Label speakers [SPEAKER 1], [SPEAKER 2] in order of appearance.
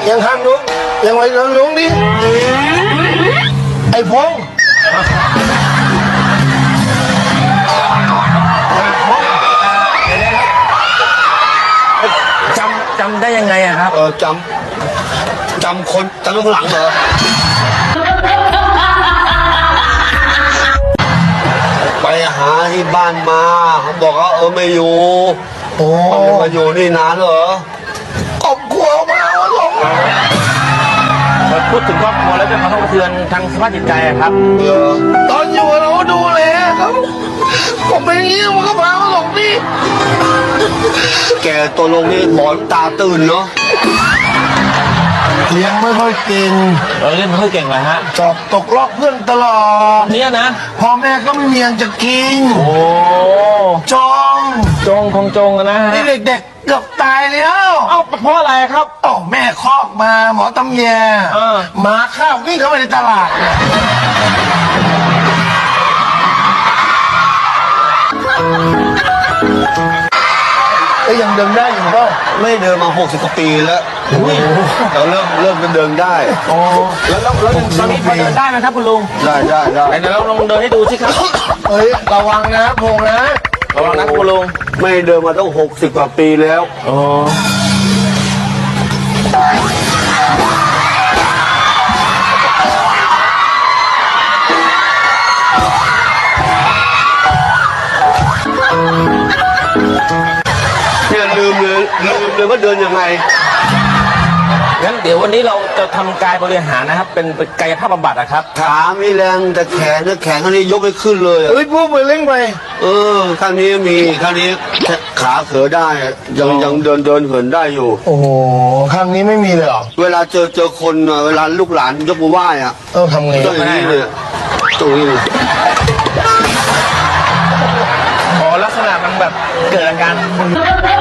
[SPEAKER 1] ยังข้างลุงยังไว้ลุงดิไอ้พงษ์
[SPEAKER 2] จำได้ยังไงอะครับ
[SPEAKER 1] จำคนจำข้างหลังเหรอไปหาที่บ้านมาเขาบอกว่าไม่อยู่ไม่มาอยู่นี่นานเหรอครอบครัวมาหรอก
[SPEAKER 2] พูดถึงครอบครัวแล้วเป็นความกระเทือนทางสภาพจิตใจอะครับ
[SPEAKER 1] ตอนอยู่เราดูแลเขาผมเป็นอย่างนี้มันก็พามาหลงนี่แกตัวลงนี่หมอนตาตื่นเนาะเลี้ยงไม่ค่อยเก่ง
[SPEAKER 2] เล่นไม่ค่อยเก่งเลยฮะ
[SPEAKER 1] สอบตกรอบเพื่อนตลอด
[SPEAKER 2] เนี่ยนะ
[SPEAKER 1] พ่อแม่ก็ไม่มีเงินจะกิน
[SPEAKER 2] โอ้
[SPEAKER 1] จอง
[SPEAKER 2] จงคงจงอะนะฮะ
[SPEAKER 1] นี่เด็กๆเกือบตายแล้ว
[SPEAKER 2] เอ้าเพราะอะไรครับ
[SPEAKER 1] แม่คอกมาหมอตำแย หมาข้าววิ่งเข้าไปในตลาดยังเดินได้อยู่ป่ะไม่เดินมา60 กว่าปีแล้วแต่เริ่มเดินได้
[SPEAKER 2] แล้วตอนนี้พอเดินได้ไหมครับคุณลุง
[SPEAKER 1] ได้
[SPEAKER 2] ไหนเราลองเดินให้ดูสิครับ
[SPEAKER 1] ระวังนะพงนะ
[SPEAKER 2] ระวังนะคุณลุง
[SPEAKER 1] ไม่เดินมาต้อง60 กว่าปีแล้วเนี่ยลืมเลยว่าเดินยังไง
[SPEAKER 2] งั้นเดี๋ยววันนี้เราจะทำกายบริหารนะครับ เป็นกายภาพบำบัดนะครับ
[SPEAKER 1] ขาไม่แรงแต่แขนข้างนี้ยกไม่ขึ้นเลยพูดไปเล่งไปข้างนี้มีข้างนี้ขาเขือได้ยังเดินเหินได้อยู่โอ้โหข้างนี้ไม่มีเลยเหรอเวลาเจอคนเวลาลูกหลานยกมือไหว้อะต้องทำไงต้องอย่างนี้เลยตรงนี้เลย
[SPEAKER 2] ลักษณะมันแบบเกิดอาการ